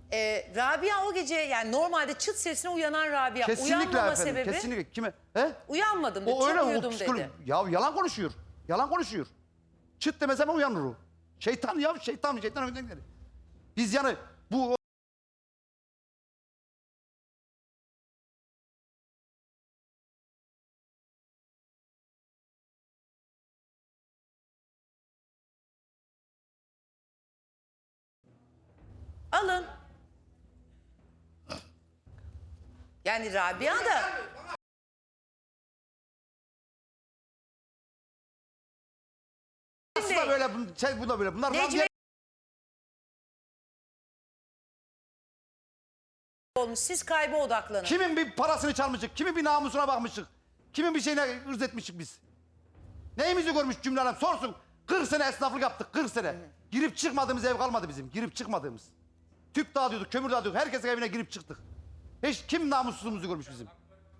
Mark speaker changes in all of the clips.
Speaker 1: Rabia o gece yani normalde çıt sesine uyanan Rabia.
Speaker 2: Kesinlikle
Speaker 1: Uyanmama
Speaker 2: efendim.
Speaker 1: sebebi
Speaker 2: Kesinlikle. Kime? He?
Speaker 1: uyanmadım dedi.
Speaker 2: O öyle
Speaker 1: Çok
Speaker 2: o
Speaker 1: uyudum
Speaker 2: psikolog.
Speaker 1: dedi.
Speaker 2: Ya yalan konuşuyor. Yalan konuşuyor. Çıt demese mi uyanır o? Şeytan ya şeytan önden gider. Biz yani bu
Speaker 1: Alın. Yani Rabia da
Speaker 2: aslında böyle bu da böyle. Bunlar
Speaker 1: Necmi olmuş. Siz kayba odaklanın.
Speaker 2: kimin bir parasını çalmışık, kimin bir namusuna bakmışık, kimin bir şeyine ırz etmişik biz. Neyimizi görmüş cümle alem sorsun. 40 sene esnaflık yaptık, 40 sene. Girip çıkmadığımız ev kalmadı bizim, girip çıkmadığımız. Tüp dağıtıyorduk, kömür dağıtıyorduk, herkesin evine girip çıktık. Hiç kim namussuzluğumuzu görmüş bizim?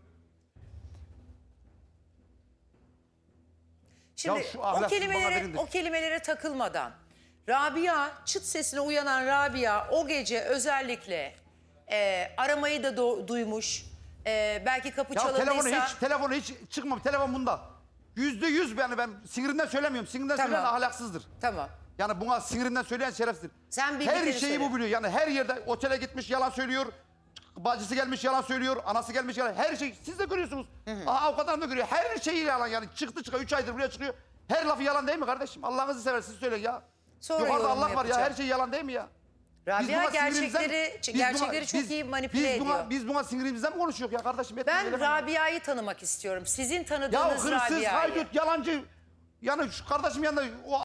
Speaker 1: Şimdi
Speaker 2: Ya şu ahlaksız bana verin de.
Speaker 1: o kelimelere takılmadan Rabia, çıt sesine uyanan Rabia o gece özellikle aramayı da duymuş. Belki kapı
Speaker 2: Ya
Speaker 1: çalındıysa.
Speaker 2: telefonu hiç çıkmamış, telefon bunda. %100 yani ben sinirinden söylemiyorum, sinirinden
Speaker 1: Tamam.
Speaker 2: söyleyen ahlaksızdır.
Speaker 1: Tamam.
Speaker 2: Yani buna sinirinden söyleyen şerefsizdir.
Speaker 1: Sen
Speaker 2: her
Speaker 1: bildikleri
Speaker 2: şeyi
Speaker 1: söyle.
Speaker 2: bu biliyor. Yani her yerde otele gitmiş yalan söylüyor. Bacısı gelmiş yalan söylüyor. Anası gelmiş yalan. Her şey siz de görüyorsunuz. Avukat hanım da görüyor. Her şeyi yalan yani. Çıktı 3 aydır buraya çıkıyor. Her lafı yalan değil mi kardeşim? Allah'ınızı seversiniz söyleyin ya.
Speaker 1: Sonra
Speaker 2: Yukarıda
Speaker 1: yorum
Speaker 2: Allah var ya.
Speaker 1: yapacağım.
Speaker 2: Her şey yalan değil mi ya?
Speaker 1: Rabia
Speaker 2: buna
Speaker 1: gerçekleri çok iyi manipüle ediyor.
Speaker 2: Biz buna sinirimizden mi konuşuyoruz ya kardeşim?
Speaker 1: Ben Rabia'yı tanımak istiyorum. Sizin
Speaker 2: Ya
Speaker 1: tanıdığınız
Speaker 2: hırsız,
Speaker 1: Rabia'yı.
Speaker 2: haydut, yalancı. Yani şu kardeşim yanında o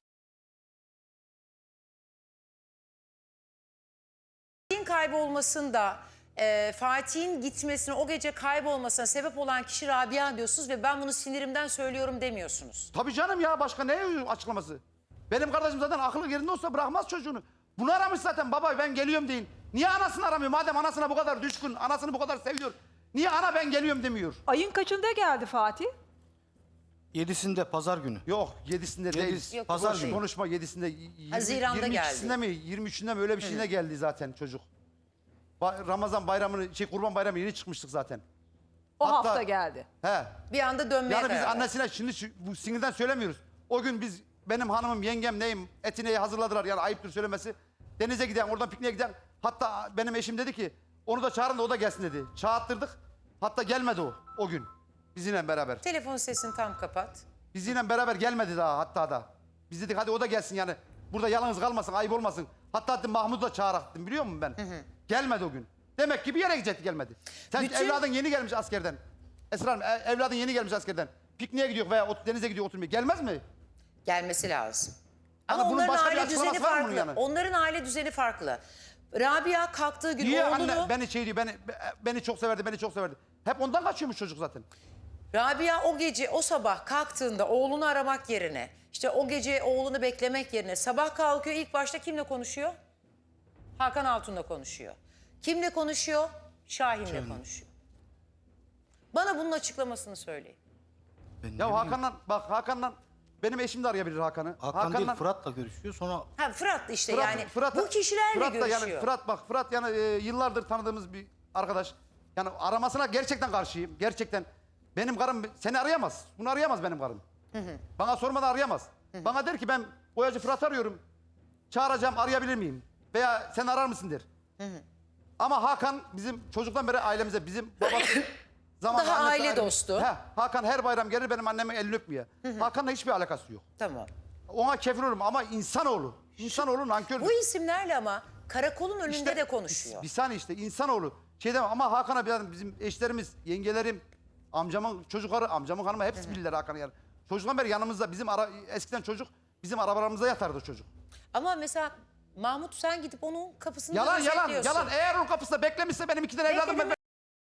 Speaker 1: Fatih'in kaybolmasında, Fatih'in gitmesine, o gece kaybolmasına sebep olan kişi Rabia diyorsunuz ve ben bunu sinirimden söylüyorum demiyorsunuz.
Speaker 2: tabii canım ya başka ne açıklaması? Benim kardeşim zaten aklı yerinde olsa bırakmaz çocuğunu. Bunu aramış zaten baba ben geliyorum deyin. Niye anasını aramıyor? Madem anasına bu kadar düşkün, anasını bu kadar seviyor. Niye ana ben geliyorum demiyor?
Speaker 3: Ayın kaçında geldi Fatih?
Speaker 4: 7'sinde pazar günü.
Speaker 2: Yok 7'sinde değil.
Speaker 1: Yok,
Speaker 4: Pazar
Speaker 1: değil.
Speaker 4: günü.
Speaker 2: Konuşma 7'sinde.
Speaker 1: Haziran'da
Speaker 2: 22'sinde mi 23'ünde mi öyle bir şeyine geldi zaten çocuk. Ramazan bayramını Kurban bayramı yeni çıkmıştık zaten.
Speaker 3: O
Speaker 2: Hatta-
Speaker 3: hafta geldi.
Speaker 2: He.
Speaker 1: Bir anda dönmeye
Speaker 2: Yani biz
Speaker 1: karar verdi.
Speaker 2: annesine şimdi bu sinirden söylemiyoruz. O gün biz benim hanımım, yengem neyim etineyi hazırladılar yani ayıptır söylemesi. Denize giden, oradan pikniğe giden. Hatta benim eşim dedi ki onu da çağırın da o da gelsin dedi. Çağırttırdık. Hatta gelmedi o gün bizimle beraber.
Speaker 1: Telefon sesini tam kapat.
Speaker 2: Bizimle beraber gelmedi daha hatta da. Biz dedik hadi o da gelsin yani. Burada yalnız kalmasın, ayıp olmasın. Hatta dedim Mahmut'u da çağıracaktım biliyor musun ben? Gelmedi o gün. Demek ki bir yere gidecekti gelmedi. Sen
Speaker 1: Bütün-
Speaker 2: evladın yeni gelmiş askerden. Esra Hanım evladın yeni gelmiş askerden. Pikniğe gidiyor veya denize gidiyor oturmaya. Gelmez mi?
Speaker 1: Gelmesi lazım.
Speaker 2: Yani
Speaker 1: Ama
Speaker 2: bunun
Speaker 1: onların
Speaker 2: başka bir
Speaker 1: aile düzeni
Speaker 2: açıklaması var mı
Speaker 1: farklı.
Speaker 2: bunun yani?
Speaker 1: Onların aile düzeni farklı. Rabia kalktığı gün
Speaker 2: Niye
Speaker 1: oğlunu...
Speaker 2: anne beni şey diyor beni çok severdi beni çok severdi. Hep ondan kaçıyormuş çocuk zaten.
Speaker 1: Rabia o gece, o sabah kalktığında oğlunu aramak yerine, işte o gece oğlunu beklemek yerine sabah kalkıyor, ilk başta kimle konuşuyor? Hakan Altun'la konuşuyor. Kimle konuşuyor? Şahin'le konuşuyor. Bana bunun açıklamasını söyleyin.
Speaker 4: Ben ne
Speaker 2: Ya
Speaker 4: bileyim,
Speaker 2: Hakan'la benim eşim de arayabilir Hakan'ı.
Speaker 4: Hakan değil Fırat'la görüşüyor sonra
Speaker 1: Ha Fırat işte yani bu kişilerle
Speaker 2: Fırat da
Speaker 1: görüşüyor.
Speaker 2: yani Fırat yani yıllardır tanıdığımız bir arkadaş. Yani aramasına gerçekten karşıyım. Gerçekten. Benim karım seni arayamaz. Bunu arayamaz benim karım. Bana sormadan arayamaz. Bana der ki ben boyacı Fırat arıyorum. Çağıracağım arayabilir miyim? Veya sen arar mısın der. Ama Hakan bizim çocuktan beri ailemize bizim babası zamanında
Speaker 1: Daha
Speaker 2: annesi
Speaker 1: aile
Speaker 2: ayrılmış.
Speaker 1: dostu.
Speaker 2: Hakan her bayram gelir benim annemin elini öpmeye. Hakan'la hiçbir alakası yok.
Speaker 1: Tamam.
Speaker 2: Ona kefil olurum ama insanoğlu. İnsanoğlu nankör.
Speaker 1: Bu isimlerle ama karakolun önünde de konuşuyor.
Speaker 2: Bir saniye işte insanoğlu. Ama Hakan'a bizim eşlerimiz, yengelerim, amcamın çocukları, amcamın hanımı hepsi bilirler Hakan'ı yani. Çocuktan beri yanımızda eskiden çocuk bizim arabalarımıza yatardı çocuk.
Speaker 1: Ama mesela Mahmut sen gidip onun kapısını
Speaker 2: Yalan
Speaker 1: gözetliyorsun.
Speaker 2: yalan. Eğer onun kapısında beklemişse benim 2 tane evladım
Speaker 1: Bekledim.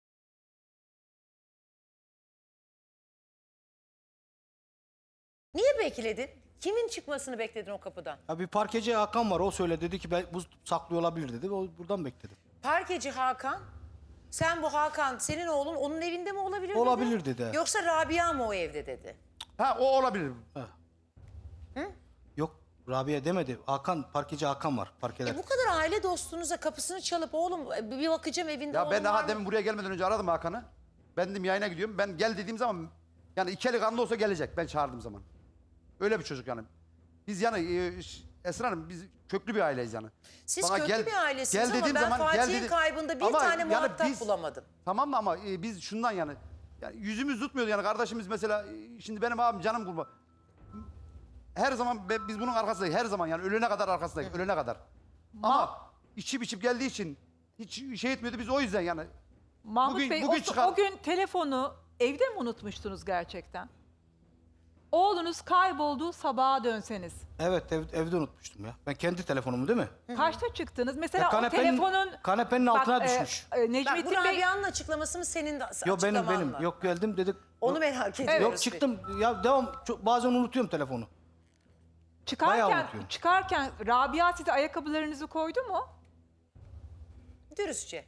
Speaker 1: Niye bekledin? Kimin çıkmasını bekledin o kapıdan?
Speaker 4: ya bir parkeci Hakan var o söyledi dedi ki ben bu saklıyor olabilir dedi. O buradan bekledim.
Speaker 1: Parkeci Hakan, sen bu Hakan senin oğlun onun evinde mi olabilir
Speaker 4: Olabilir dedi.
Speaker 1: Yoksa Rabia mı o evde dedi?
Speaker 2: Ha o olabilir.
Speaker 4: Yok Rabia demedi. Hakan, parkeci Hakan var. Parkeler.
Speaker 1: Bu kadar aile dostunuza kapısını çalıp oğlum bir bakacağım evinde
Speaker 2: Ya
Speaker 1: oğlum
Speaker 2: ben
Speaker 1: var
Speaker 2: daha
Speaker 1: mı?
Speaker 2: demin buraya gelmeden önce aradım Hakan'ı. Ben dedim yayına gidiyorum. Ben gel dediğim zaman yani iki eli kanlı olsa gelecek ben çağırdığım zaman. Öyle bir çocuk yani. Biz yani Esra Hanım biz köklü bir aileyiz yani.
Speaker 1: Siz
Speaker 2: Bana
Speaker 1: köklü bir ailesiniz
Speaker 2: gel
Speaker 1: ama
Speaker 2: dediğim
Speaker 1: ben
Speaker 2: zaman, gel
Speaker 1: Fatih'in
Speaker 2: dedi-
Speaker 1: kaybında bir
Speaker 2: Ama
Speaker 1: tane
Speaker 2: yani
Speaker 1: muhatap
Speaker 2: biz-
Speaker 1: bulamadım.
Speaker 2: Tamam mı ama biz şundan yani yüzümüz tutmuyordu yani kardeşimiz mesela şimdi benim abim canım kurban. Her zaman biz bunun arkasındayız her zaman yani ölene kadar arkasındayız ölene kadar. Ama içip geldiği için hiç şey etmiyordu biz o yüzden yani.
Speaker 3: Mahmut
Speaker 2: Bugün-
Speaker 3: Bey
Speaker 2: bugün çıkan-
Speaker 3: o gün telefonu evde mi unutmuştunuz gerçekten? Oğlunuz kaybolduğu sabaha dönseniz.
Speaker 4: Evet evde unutmuştum ya. Ben kendi telefonumu değil mi?
Speaker 3: Kaçta çıktınız? Mesela
Speaker 4: Ya
Speaker 3: o
Speaker 4: kanepenin-
Speaker 3: telefonun...
Speaker 4: kanepenin altına düşmüş.
Speaker 1: Bak bu
Speaker 3: Necmettin Bey...
Speaker 1: Rabia'nın açıklaması mı senin de
Speaker 4: Yok
Speaker 1: açıklaman
Speaker 4: benim.
Speaker 1: mı?
Speaker 4: Yok geldim dedik.
Speaker 1: Onu merak ediyoruz.
Speaker 4: Yok çıktım. Ya devam. Bazen unutuyorum telefonu. Bayağı unutuyorum.
Speaker 3: Çıkarken Rabia size ayakkabılarınızı koydu mu?
Speaker 1: Dürüstçe.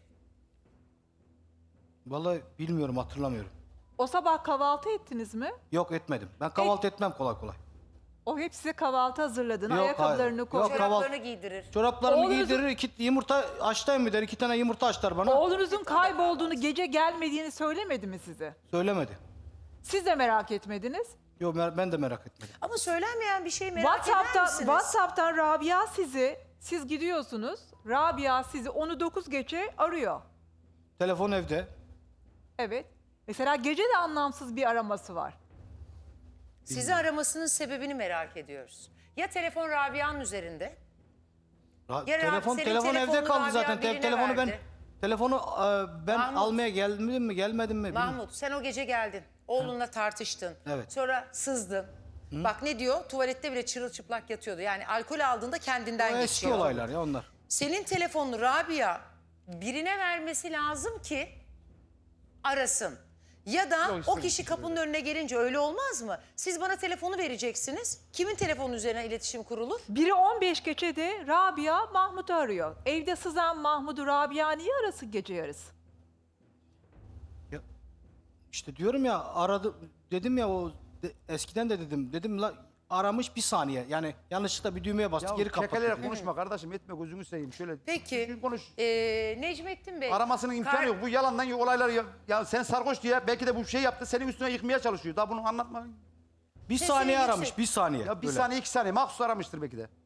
Speaker 4: Vallahi bilmiyorum hatırlamıyorum.
Speaker 3: O sabah kahvaltı ettiniz mi?
Speaker 4: Yok etmedim. Ben kahvaltı etmem kolay kolay.
Speaker 3: O hep size kahvaltı hazırladığını,
Speaker 4: Yok,
Speaker 3: ayakkabılarını
Speaker 4: hayır.
Speaker 3: koydu.
Speaker 4: Yok,
Speaker 1: Çoraplarını giydirir.
Speaker 4: Çoraplarımı
Speaker 3: Oğlunuzun-
Speaker 4: giydirir, yumurta açtayım mı der, 2 tane yumurta açlar bana.
Speaker 3: Oğlunuzun kaybolduğunu, gece gelmediğini söylemedi mi size?
Speaker 4: Söylemedi.
Speaker 3: Siz de merak etmediniz.
Speaker 4: Yok ben de merak etmedim.
Speaker 1: Ama söylenmeyen bir şey merak eder misiniz?
Speaker 3: WhatsApp'tan Rabia siz gidiyorsunuz. Rabia sizi 9 gece arıyor.
Speaker 4: Telefon evde.
Speaker 3: Evet. Mesela gece de anlamsız bir araması var.
Speaker 1: Sizi aramasının sebebini merak ediyoruz. Ya telefon Rabia'nın üzerinde? Ya
Speaker 4: Telefon
Speaker 1: senin
Speaker 4: evde
Speaker 1: telefonunu
Speaker 4: kaldı
Speaker 1: Rabia
Speaker 4: zaten.
Speaker 1: birine
Speaker 4: Telefonu
Speaker 1: verdi.
Speaker 4: ben
Speaker 1: Mahmut.
Speaker 4: almaya geldim mi gelmedim mi? bilmiyorum.
Speaker 1: Mahmut sen o gece geldin. Oğlunla tartıştın.
Speaker 4: Evet.
Speaker 1: Sonra sızdın. Bak ne diyor? Tuvalette bile çırılçıplak yatıyordu. Yani alkol aldığında kendinden
Speaker 4: O eski
Speaker 1: geçiyor.
Speaker 4: olaylar ya onlar.
Speaker 1: Senin telefonunu Rabia birine vermesi lazım ki arasın. Ya da
Speaker 2: Yok,
Speaker 1: o kişi kapının önüne gelince öyle olmaz mı? Siz bana telefonu vereceksiniz. Kimin telefonu üzerine iletişim kurulur?
Speaker 3: Biri 15 gece de Rabia Mahmut'u arıyor. Evde sızan Mahmut'u Rabia niye arasın gece yarısı?
Speaker 4: Ya, işte diyorum ya aradı dedim ya eskiden de dedim la aramış bir saniye. Yani yanlışlıkla bir düğmeye bastı
Speaker 2: Ya
Speaker 4: geri kapattı.
Speaker 2: kekeleyerek
Speaker 4: dedim.
Speaker 2: konuşma kardeşim etme gözünü seveyim şöyle.
Speaker 1: Peki
Speaker 2: düzgün konuş.
Speaker 1: Necmettin Bey.
Speaker 2: Aramasının imkanı yok. Bu yalandan olaylar ya sen sarhoş diye belki de bu şey yaptı senin üstüne yıkmaya çalışıyor. Daha bunu anlatma.
Speaker 4: Bir
Speaker 1: Sesini
Speaker 4: saniye
Speaker 1: yüksek.
Speaker 4: aramış bir saniye.
Speaker 2: Ya bir
Speaker 4: Böyle.
Speaker 2: saniye 2 saniye mahsus aramıştır belki de.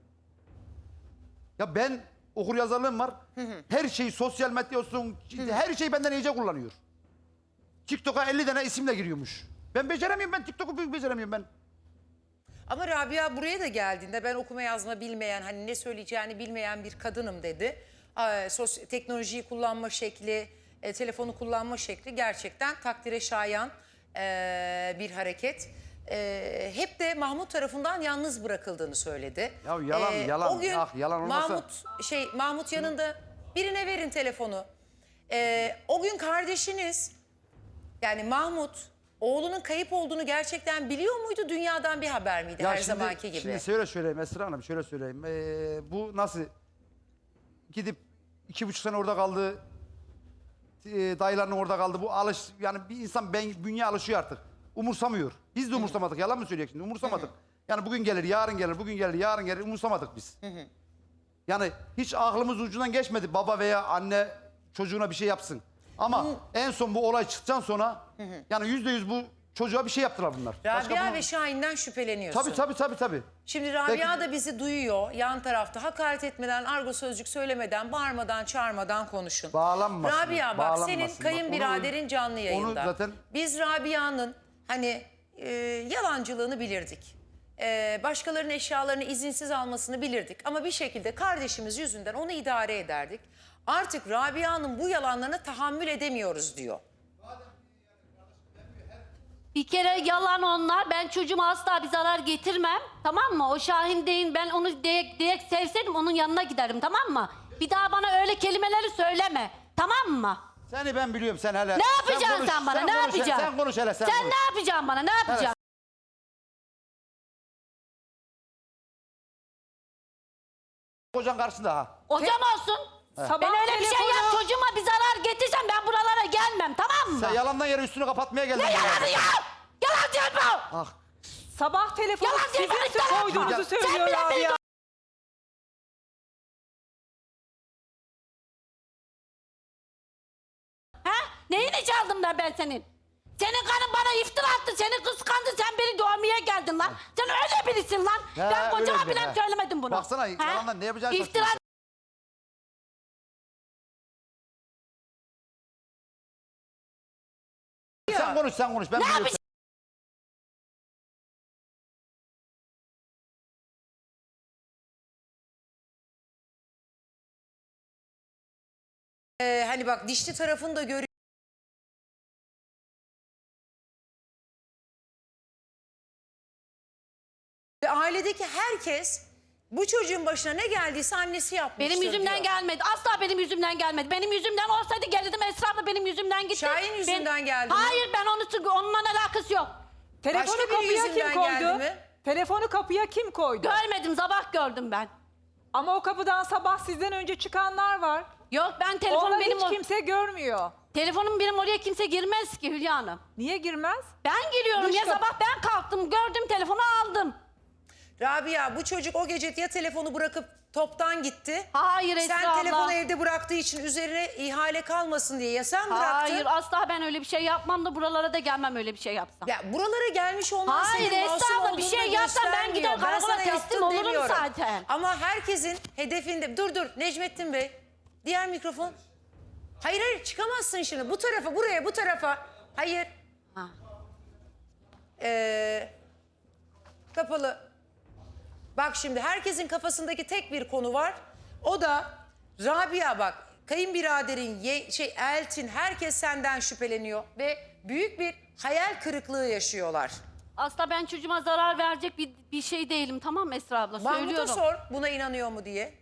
Speaker 2: Ya ben okur yazarlığım var. Her şeyi sosyal medya olsun her şeyi benden iyice kullanıyor. TikTok'a 50 tane isimle giriyormuş. Ben beceremiyorum ben TikTok'u beceremiyorum ben.
Speaker 1: Ama Rabia buraya da geldiğinde ben okuma yazma bilmeyen, hani ne söyleyeceğini bilmeyen bir kadınım dedi. Teknolojiyi kullanma şekli, telefonu kullanma şekli gerçekten takdire şayan bir hareket. Hep de Mahmut tarafından yalnız bırakıldığını söyledi.
Speaker 2: Ya yalan,
Speaker 1: O gün
Speaker 2: yalan olmasa-
Speaker 1: Mahmut yanında birine verin telefonu. O gün kardeşiniz yani Mahmut oğlunun kayıp olduğunu gerçekten biliyor muydu? Dünyadan bir haber miydi her zamanki gibi?
Speaker 2: Şimdi şöyle söyleyeyim Esra Hanım şöyle söyleyeyim. Bu nasıl gidip 2,5 sene orada kaldı. Dayılarının orada kaldı. Bu yani bir insan bünye alışıyor artık. Umursamıyor. Biz de umursamadık. Yalan mı söyleyecek şimdi? Umursamadık. Yani bugün gelir, yarın gelir, bugün gelir, yarın gelir. Umursamadık biz. Yani hiç aklımız ucundan geçmedi baba veya anne çocuğuna bir şey yapsın. Ama en son bu olay çıktıktan sonra yani %100 bu çocuğa bir şey yaptılar bunlar.
Speaker 1: Rabia ve Şahin'den şüpheleniyorsun.
Speaker 2: Tabii.
Speaker 1: Şimdi Rabia
Speaker 2: Belki-
Speaker 1: da bizi duyuyor. Yan tarafta hakaret etmeden, argo sözcük söylemeden, bağırmadan, çağırmadan konuşun.
Speaker 2: Bağlanmasın,
Speaker 1: Rabia bak
Speaker 2: bağlanmasın.
Speaker 1: senin
Speaker 2: Bak,
Speaker 1: kayınbiraderin canlı yayında.
Speaker 2: zaten-
Speaker 1: Biz Rabia'nın hani yalancılığını bilirdik. Başkalarının eşyalarını izinsiz almasını bilirdik. Ama bir şekilde kardeşimiz yüzünden onu idare ederdik. Artık Rabia'nın bu yalanlarına tahammül edemiyoruz diyor.
Speaker 5: Bir kere yalan onlar. Ben çocuğuma asla bir zarar getirmem. Tamam mı? O Şahin değil. Ben onu direkt sevseydim onun yanına giderim. Tamam mı? Bir daha bana öyle kelimeleri söyleme. Tamam mı?
Speaker 2: Seni ben biliyorum sen hele.
Speaker 5: Ne yapacaksın sen bana? Ne yapacaksın?
Speaker 2: Sen konuş hele sen
Speaker 5: Sen
Speaker 2: konuş.
Speaker 5: ne yapacaksın bana? Ne yapacaksın?
Speaker 2: Kocan karşında ha.
Speaker 5: Hocam olsun.
Speaker 3: Sabah
Speaker 5: Ben öyle bir şey
Speaker 3: telefonu-
Speaker 5: yap çocuğuma bir zarar getirsem ben buralara gelmem. Tamam mı?
Speaker 2: Sen yalandan yere üstünü kapatmaya geldin.
Speaker 5: Ne yalanı ya? Yalan diyor bu.
Speaker 2: Ah
Speaker 3: Sabah telefonu
Speaker 5: Yalan değil,
Speaker 3: sizin
Speaker 5: bana iftira
Speaker 3: koyduğunuzu
Speaker 5: atma.
Speaker 3: söylüyor
Speaker 5: Sen bile
Speaker 3: Rabia.
Speaker 5: Ha? Neyini çaldım da ben senin? Senin karın bana iftira attı, seni kıskandı, sen beni doğmaya geldin lan. Sen öyle birisin lan.
Speaker 2: Ya,
Speaker 5: Ben kocama
Speaker 2: öyle
Speaker 5: bile
Speaker 2: bir,
Speaker 5: söylemedim bunu.
Speaker 2: Baksana,
Speaker 5: Ha?
Speaker 2: yalandan ne yapacağını
Speaker 5: İftira
Speaker 2: şaşırıyorsun. Sen konuş, sen konuş. Ben
Speaker 5: Ne
Speaker 2: biliyorum.
Speaker 5: yapacağım?
Speaker 1: Hani bak dişli tarafını da görüyor. Ve ailedeki herkes bu çocuğun başına ne geldiyse annesi yapmıştır
Speaker 5: Benim yüzümden
Speaker 1: diyor.
Speaker 5: gelmedi. Asla benim yüzümden gelmedi. Benim yüzümden olsaydı gelirdim, Esra abla benim yüzümden gitti.
Speaker 1: Şahin yüzünden geldi mi?
Speaker 5: Hayır, ben onunla alakası yok.
Speaker 3: Telefonu
Speaker 1: Başka biri
Speaker 3: kapıya kim
Speaker 1: yüzünden geldi
Speaker 3: koydu?
Speaker 1: mi?
Speaker 3: Telefonu kapıya kim koydu?
Speaker 5: Görmedim, sabah gördüm ben.
Speaker 3: Ama o kapıdan sabah sizden önce çıkanlar var.
Speaker 5: Yok, ben telefonum
Speaker 3: Onları
Speaker 5: benim
Speaker 3: hiç kimse görmüyor.
Speaker 5: telefonum benim oraya kimse girmez ki Hülya Hanım.
Speaker 3: Niye girmez?
Speaker 5: Ben giriyorum
Speaker 3: Dış
Speaker 5: ya,
Speaker 3: kapı-
Speaker 5: sabah ben kalktım, gördüm telefonu aldım.
Speaker 1: Rabia, bu çocuk o gece ya telefonu bırakıp toptan gitti.
Speaker 5: Hayır Esra
Speaker 1: Sen
Speaker 5: abla.
Speaker 1: telefonu evde bıraktığı için üzerine ihale kalmasın diye ya sen bıraktın.
Speaker 5: Hayır, asla ben öyle bir şey yapmam da buralara da gelmem öyle bir şey yapsam.
Speaker 1: Ya buralara gelmiş olman
Speaker 5: Hayır,
Speaker 1: senin
Speaker 5: Esra
Speaker 1: masum
Speaker 5: abla, bir
Speaker 1: olduğunu
Speaker 5: şey yapsam ben
Speaker 1: göstermiyor.
Speaker 5: gider karakola
Speaker 1: sana
Speaker 5: teslim
Speaker 1: yaptın
Speaker 5: olurum
Speaker 1: demiyorum.
Speaker 5: zaten.
Speaker 1: Ama herkesin hedefinde... Dur Necmettin Bey. Diğer mikrofon. Hayır çıkamazsın şimdi. Bu tarafa, buraya, bu tarafa. Hayır.
Speaker 5: Ha.
Speaker 1: Kapalı. Bak şimdi herkesin kafasındaki tek bir konu var. O da Rabia bak. Kayınbiraderin, Eltin, herkes senden şüpheleniyor. Ve büyük bir hayal kırıklığı yaşıyorlar.
Speaker 5: Asla ben çocuğuma zarar verecek bir şey değilim, tamam mı Esra abla?
Speaker 1: Mahmut'a
Speaker 5: Söylüyorum.
Speaker 1: sor buna inanıyor mu diye.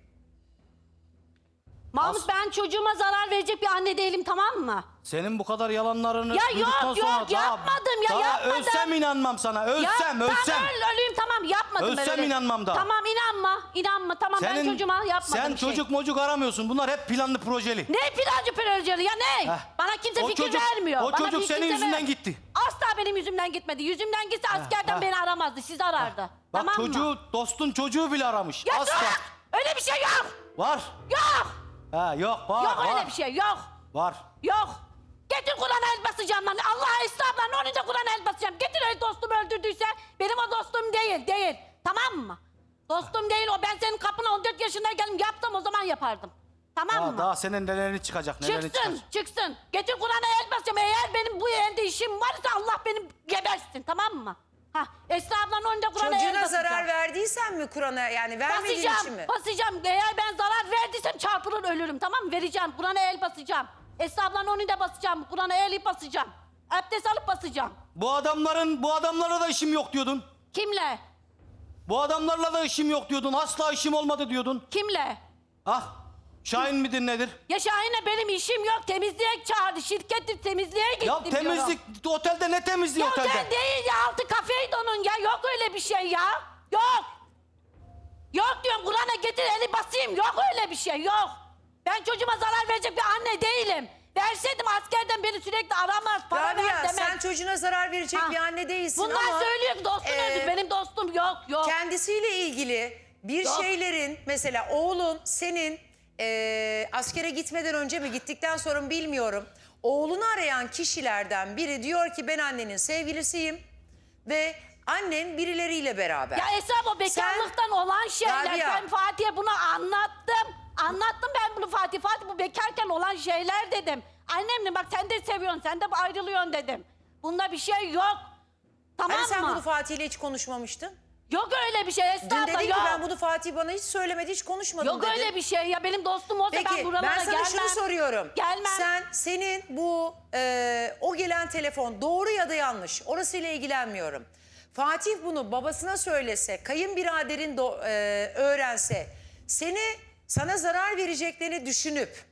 Speaker 5: Mahmut, ben çocuğuma zarar verecek bir anne değilim, tamam mı?
Speaker 4: Senin bu kadar yalanlarını
Speaker 5: Ya
Speaker 4: duyduktan
Speaker 5: yok,
Speaker 4: sonra
Speaker 5: yok, yapmadım ya,
Speaker 4: daha
Speaker 5: yapmadım.
Speaker 4: ölsem inanmam sana. Ölsem, ölsem.
Speaker 5: Tamam, öleyim, tamam, yapmadım ben
Speaker 4: Ölsem
Speaker 5: öyle.
Speaker 4: inanmam daha.
Speaker 5: Tamam, inanma, tamam, ben çocuğuma yapmadım
Speaker 4: sen
Speaker 5: bir şey.
Speaker 4: çocuk mocuk aramıyorsun. Bunlar hep planlı projeli.
Speaker 5: Ne plancı projeli ya, ne?
Speaker 4: Heh.
Speaker 5: Bana kimse
Speaker 4: O
Speaker 5: fikir
Speaker 4: çocuk-
Speaker 5: vermiyor.
Speaker 4: o
Speaker 5: Bana
Speaker 4: çocuk
Speaker 5: fikir
Speaker 4: senin
Speaker 5: kimse
Speaker 4: yüzünden gitti.
Speaker 5: Asla benim yüzümden gitmedi. Yüzümden gitse askerden
Speaker 4: heh.
Speaker 5: beni aramazdı, sizi arardı.
Speaker 4: Bak
Speaker 5: Tamam mı?
Speaker 4: çocuğu, dostun çocuğu bile aramış.
Speaker 5: Ya
Speaker 4: Asla.
Speaker 5: dur! Öyle bir şey yok!
Speaker 4: Var.
Speaker 5: Yok!
Speaker 4: Ha, yok, var,
Speaker 5: Yok
Speaker 4: var.
Speaker 5: öyle bir şey, yok!
Speaker 4: Var.
Speaker 5: Yok! Getir Kur'an'a el basacağım lan. Allah estağfurullah, onun da Kur'an'a el basacağım. Getir öyle dostumu öldürdüyse benim o dostum değil. Tamam mı? Dostum değil o. Ben senin kapına 14 yaşındayken yaptım, o zaman yapardım. Tamam mı?
Speaker 4: Daha senin nelerini çıkacak, nelerini çıkacak.
Speaker 5: Çıksın. Getir Kur'an'a el basacağım. Eğer benim bu elde işim varsa Allah benim gebersin, tamam mı? Ha, Esra ablanın önünde Kur'an'a el
Speaker 1: Çocuğuna
Speaker 5: basacağım.
Speaker 1: zarar verdiysen mi Kur'an'a, yani vermediğin için mi?
Speaker 5: Basacağım. Eğer ben zarar verdiysem çarpılır ölürüm, tamam mı? Vereceğim. Kur'an'a el basacağım. Esra ablanın önünde basacağım. Kur'an'a el basacağım. Abdest alıp basacağım.
Speaker 4: Bu adamlarla da işim yok diyordun.
Speaker 5: Kimle?
Speaker 4: Bu adamlarla da işim yok diyordun. Asla işim olmadı diyordun.
Speaker 5: Kimle?
Speaker 4: Ah, Şahin midir nedir?
Speaker 5: Ya Şahin'le benim işim yok. Temizliğe çağırdı. Şirketi temizliğe gittim
Speaker 4: Ya temizlik, otelde ne temizliği
Speaker 5: Ya
Speaker 4: otelde?
Speaker 5: otel değil ya, altı kafeydi onun ya. Yok öyle bir şey ya. Yok. Yok diyorum, Kur'an'a getir eli basayım. Yok öyle bir şey, yok. Ben çocuğuma zarar verecek bir anne değilim. Verseydim askerden beni sürekli aramaz, para ver
Speaker 1: Rabia
Speaker 5: demez.
Speaker 1: sen çocuğuna zarar verecek
Speaker 5: Ha.
Speaker 1: bir anne değilsin
Speaker 5: Bunlar
Speaker 1: ama...
Speaker 5: söylüyor ki dostum öldü. Benim dostum yok.
Speaker 1: Kendisiyle ilgili bir
Speaker 5: Yok.
Speaker 1: şeylerin, mesela oğlun senin askere gitmeden önce mi gittikten sonra mı bilmiyorum. Oğlunu arayan kişilerden biri diyor ki ben annenin sevgilisiyim ve annen birileriyle beraber.
Speaker 5: Ya Esra, o bekarlıktan olan şeyler.
Speaker 1: Rabia.
Speaker 5: Ben Fatih'e bunu anlattım. Anlattım ben bunu Fatih. Fatih, bu bekarken olan şeyler dedim. Annemle bak, sen de seviyorsun, sen de ayrılıyorsun dedim. Bunda bir şey yok. Tamam
Speaker 1: Hani sen
Speaker 5: mı?
Speaker 1: bunu Fatih'le hiç konuşmamıştın?
Speaker 5: Yok öyle bir şey Esra
Speaker 1: Dün
Speaker 5: abla,
Speaker 1: dedin ki
Speaker 5: yok.
Speaker 1: ben bunu Fatih bana hiç söylemedi, hiç konuşmadım
Speaker 5: Yok
Speaker 1: dedin.
Speaker 5: öyle bir şey ya, benim dostum olsa ben
Speaker 1: Peki
Speaker 5: buralara
Speaker 1: ben sana
Speaker 5: gelmem.
Speaker 1: şunu soruyorum.
Speaker 5: Gelmem.
Speaker 1: Senin bu o gelen telefon doğru ya da yanlış, orasıyla ilgilenmiyorum. Fatih bunu babasına söylese, kayınbiraderin öğrense, sana zarar vereceklerini düşünüp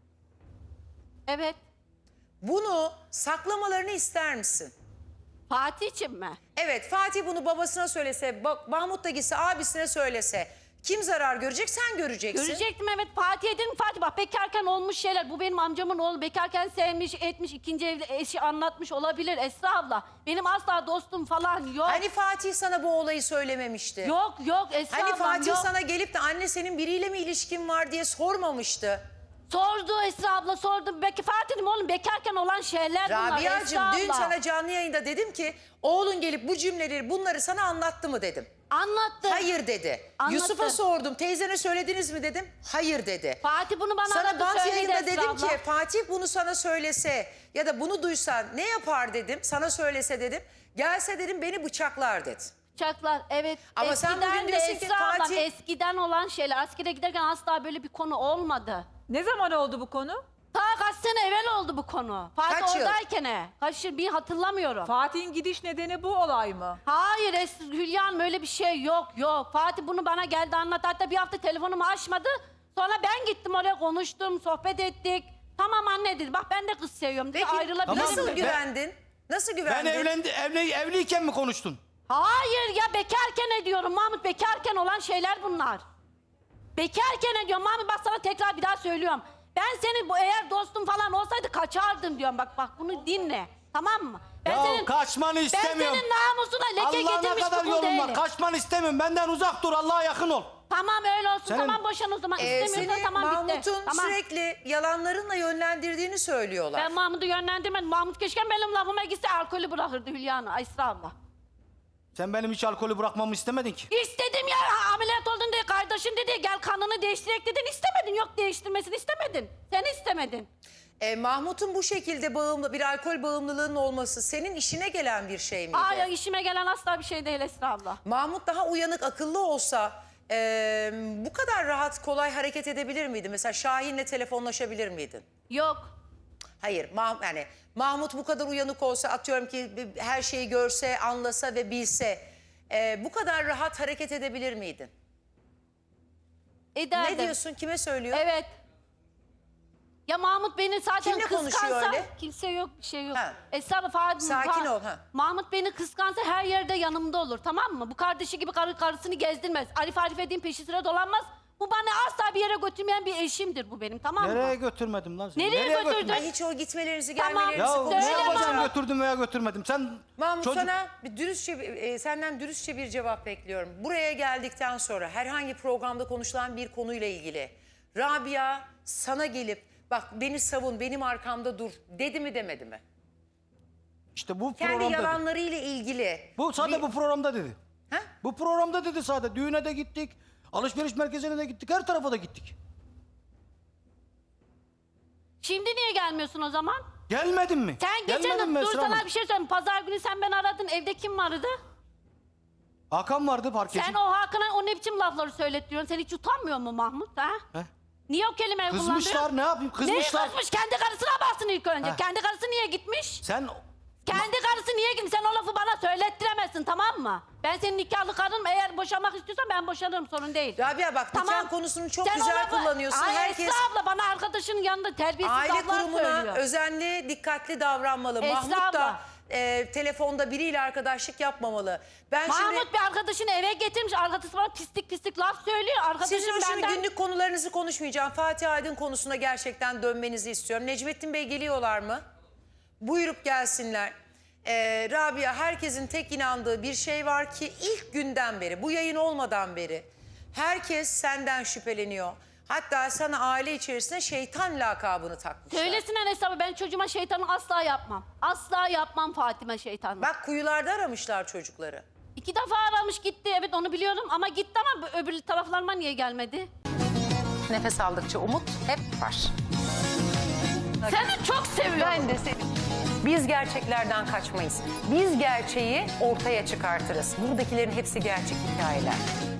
Speaker 5: Evet.
Speaker 1: bunu saklamalarını ister misin?
Speaker 5: Fatih için mi?
Speaker 1: Evet, Fatih bunu babasına söylese, Mahmut da gitse abisine söylese, Kim zarar görecek? Sen göreceksin.
Speaker 5: Görecektim evet. Fatih'e dedim Fatih bak bekarken olmuş şeyler. Bu benim amcamın oğlu. Bekarken sevmiş, etmiş, ikinci evde eşi anlatmış olabilir Esra abla. Benim asla dostum falan yok.
Speaker 1: Hani Fatih sana bu olayı söylememişti?
Speaker 5: Yok Esra
Speaker 1: Hani
Speaker 5: ablam
Speaker 1: Fatih
Speaker 5: yok.
Speaker 1: sana gelip de anne senin biriyle mi ilişkin var diye sormamıştı?
Speaker 5: Sordu Esra abla sordu. Belki Fatih dedim oğlum bekarken olan şeyler bunlar
Speaker 1: Rabia'cığım
Speaker 5: Esra
Speaker 1: dün
Speaker 5: abla.
Speaker 1: sana canlı yayında dedim ki oğlun gelip bu cümleleri bunları sana anlattı mı dedim.
Speaker 5: Anlattı.
Speaker 1: Hayır dedi.
Speaker 5: Anlattı.
Speaker 1: Yusuf'a sordum teyzene söylediniz mi dedim. Hayır dedi.
Speaker 5: Fatih bunu bana
Speaker 1: Sana
Speaker 5: aradı
Speaker 1: bant
Speaker 5: söyledi
Speaker 1: yayında
Speaker 5: Esra
Speaker 1: dedim
Speaker 5: abla.
Speaker 1: ki Fatih bunu sana söylese ya da bunu duysa ne yapar dedim. Sana söylese dedim. Gelse dedim beni bıçaklar dedi.
Speaker 5: Uçaklar evet.
Speaker 1: Ama sen
Speaker 5: eskiden
Speaker 1: bugün
Speaker 5: de
Speaker 1: diyorsun ki
Speaker 5: Esra ablam,
Speaker 1: Fatih-
Speaker 5: eskiden olan şeyler. Askere giderken asla böyle bir konu olmadı.
Speaker 3: Ne zaman oldu bu konu?
Speaker 5: Ta kaç sene evvel oldu bu konu. Fatih
Speaker 1: Kaç yıl?
Speaker 5: oradayken. Kaç yıl bir hatırlamıyorum.
Speaker 3: Fatih'in gidiş nedeni bu olay mı?
Speaker 5: Hayır Hülya Hanım öyle bir şey yok. Fatih bunu bana geldi anlattı. Hatta bir hafta telefonumu açmadı. Sonra ben gittim oraya konuştum, sohbet ettik. Tamam anne dedi. Bak ben de kız seviyorum dedi.
Speaker 1: Peki
Speaker 5: Ayrılabilirim
Speaker 1: nasıl
Speaker 5: dedi.
Speaker 1: güvendin? Nasıl
Speaker 4: Ben
Speaker 1: güvendin?
Speaker 4: evliyken mi konuştun?
Speaker 5: Hayır ya bekarken ediyorum Mahmut. Bekarken olan şeyler bunlar. Bekarken ediyorum Mahmut bak sana tekrar bir daha söylüyorum. Ben senin bu eğer dostum falan olsaydı kaçardım diyorum. Bak bunu dinle. Tamam mı? Ben
Speaker 4: Kaçmanı istemiyorum.
Speaker 5: Ben senin namusuna leke
Speaker 4: Allah'a ne
Speaker 5: getirmiş
Speaker 4: kadar
Speaker 5: bir kul
Speaker 4: yolun
Speaker 5: değilim.
Speaker 4: var. Kaçmanı istemiyorum. Benden uzak dur. Allah'a yakın ol.
Speaker 5: Tamam öyle olsun.
Speaker 4: Senin-
Speaker 5: Tamam boşan o zaman. İstemiyorsan
Speaker 1: Seni
Speaker 5: tamam bitti.
Speaker 1: Mahmut'un
Speaker 5: Tamam.
Speaker 1: sürekli yalanlarınla yönlendirdiğini söylüyorlar.
Speaker 5: Ben Mahmut'u yönlendirmedim. Mahmut keşke benim lafıma gitse alkolü bırakırdı Hülya Hanım. Esra abla.
Speaker 4: Sen benim hiç alkolü bırakmamı istemedin ki.
Speaker 5: İstedim ya ameliyat oldun diye kardeşin dedi gel kanını değiştirek dedin istemedin yok değiştirmesini istemedin. Sen istemedin.
Speaker 1: Mahmut'un bu şekilde bir alkol bağımlılığının olması senin işine gelen bir şey miydi?
Speaker 5: Aa işime gelen asla bir şey değil Esra abla.
Speaker 1: Mahmut daha uyanık, akıllı olsa bu kadar rahat, kolay hareket edebilir miydi? Mesela Şahin'le telefonlaşabilir miydin?
Speaker 5: Yok.
Speaker 1: Hayır, yani Mahmut bu kadar uyanık olsa, atıyorum ki her şeyi görse, anlasa ve bilse bu kadar rahat hareket edebilir miydin?
Speaker 5: Ederdim.
Speaker 1: Ne diyorsun? Kime söylüyor?
Speaker 5: Evet. Ya Mahmut beni zaten
Speaker 1: Kimle konuşuyor
Speaker 5: kıskansa...
Speaker 1: öyle?
Speaker 5: Kimse yok bir şey yok.
Speaker 1: Ha.
Speaker 5: Esra abla,
Speaker 1: Sakin ol, ha.
Speaker 5: Mahmut beni kıskansa her yerde yanımda olur tamam mı? Bu kardeşi gibi karısını gezdirmez. Arif edeyim peşi sıra dolanmaz. Bu bana asla bir yere götürmeyen bir eşimdir bu benim tamam mı?
Speaker 4: Nereye götürmedim lan seni?
Speaker 5: Nereye götürdün?
Speaker 4: götürmedim?
Speaker 1: Ay hiç o gitmelerinizi,
Speaker 5: Tamam.
Speaker 1: gelmelerinizi
Speaker 4: Ya ne
Speaker 5: Söyle
Speaker 4: yapacağım
Speaker 5: Mahmut.
Speaker 4: götürdüm veya götürmedim? Sen
Speaker 1: Mahmut
Speaker 4: çocuk...
Speaker 1: sana bir dürüstçe, senden dürüstçe bir cevap bekliyorum. Buraya geldikten sonra herhangi programda konuşulan bir konuyla ilgili Rabia sana gelip bak beni savun, benim arkamda dur dedi mi demedi mi?
Speaker 4: İşte bu
Speaker 1: Kendi
Speaker 4: programda dedi.
Speaker 1: yalanlarıyla ilgili.
Speaker 4: Bu sadece bu programda dedi.
Speaker 1: Ha?
Speaker 4: Bu programda dedi sadece. Düğüne de gittik. Alışveriş merkezine de gittik. Her tarafa da gittik.
Speaker 5: Şimdi niye gelmiyorsun o zaman?
Speaker 4: Gelmedin mi?
Speaker 5: Sen
Speaker 4: Gelmedin
Speaker 5: geçen
Speaker 4: mi
Speaker 5: dur
Speaker 4: Esra
Speaker 5: sana
Speaker 4: Hanım?
Speaker 5: bir şey söyleyeyim. Pazar günü sen beni aradın. Evde kim vardı?
Speaker 4: Hakan vardı parkeci.
Speaker 5: Sen o Hakan'a o ne biçim lafları söylettiriyorsun? Sen hiç utanmıyor mu Mahmut ha?
Speaker 4: He?
Speaker 5: Niye o kelimeyi
Speaker 4: Kızmışlar
Speaker 5: kullandın?
Speaker 4: ne yapayım? Kızmışlar.
Speaker 5: Neyi kızmış? Kendi karısına baksın ilk önce.
Speaker 4: Heh.
Speaker 5: Kendi karısı niye gitmiş?
Speaker 4: Sen
Speaker 5: Kendi karısı niye gitmiş? Sen o lafı bana söylettiremezsin tamam mı? Ben senin nikahlı karınım. Eğer boşanmak istiyorsan ben boşanırım sorun değil.
Speaker 1: Rabia bak nikah konusunu çok
Speaker 5: Sen o
Speaker 1: güzel
Speaker 5: lafı-
Speaker 1: kullanıyorsun.
Speaker 5: Ay
Speaker 1: Herkes
Speaker 5: Esra abla bana arkadaşının yanında terbiyesiz
Speaker 1: aile
Speaker 5: laflar
Speaker 1: kurumuna
Speaker 5: söylüyor.
Speaker 1: özenli, dikkatli davranmalı.
Speaker 5: Esra
Speaker 1: Mahmut da
Speaker 5: abla.
Speaker 1: telefonda biriyle arkadaşlık yapmamalı. Ben şimdi...
Speaker 5: Mahmut bir arkadaşını eve getirmiş. Arkadaşı bana pislik laf söylüyor. Arkadaşım
Speaker 1: Sizin şimdi
Speaker 5: benden...
Speaker 1: günlük konularınızı konuşmayacağım. Fatih Aydın konusuna gerçekten dönmenizi istiyorum. Necmettin Bey geliyorlar mı? Buyurup gelsinler. Rabia herkesin tek inandığı bir şey var ki ilk günden beri, bu yayın olmadan beri herkes senden şüpheleniyor. Hatta sana aile içerisinde şeytan lakabını takmışlar.
Speaker 5: Söylesinler hesabı ben çocuğuma şeytanı asla yapmam. Asla yapmam Fatime şeytanı.
Speaker 1: Bak kuyularda aramışlar çocukları.
Speaker 5: 2 defa aramış gitti evet onu biliyorum ama gitti ama öbür taraflarıma niye gelmedi?
Speaker 1: Nefes aldıkça umut hep var.
Speaker 5: Seni çok seviyorum.
Speaker 1: Ben de seni. Biz gerçeklerden kaçmayız. Biz gerçeği ortaya çıkartırız. Buradakilerin hepsi gerçek hikayeler.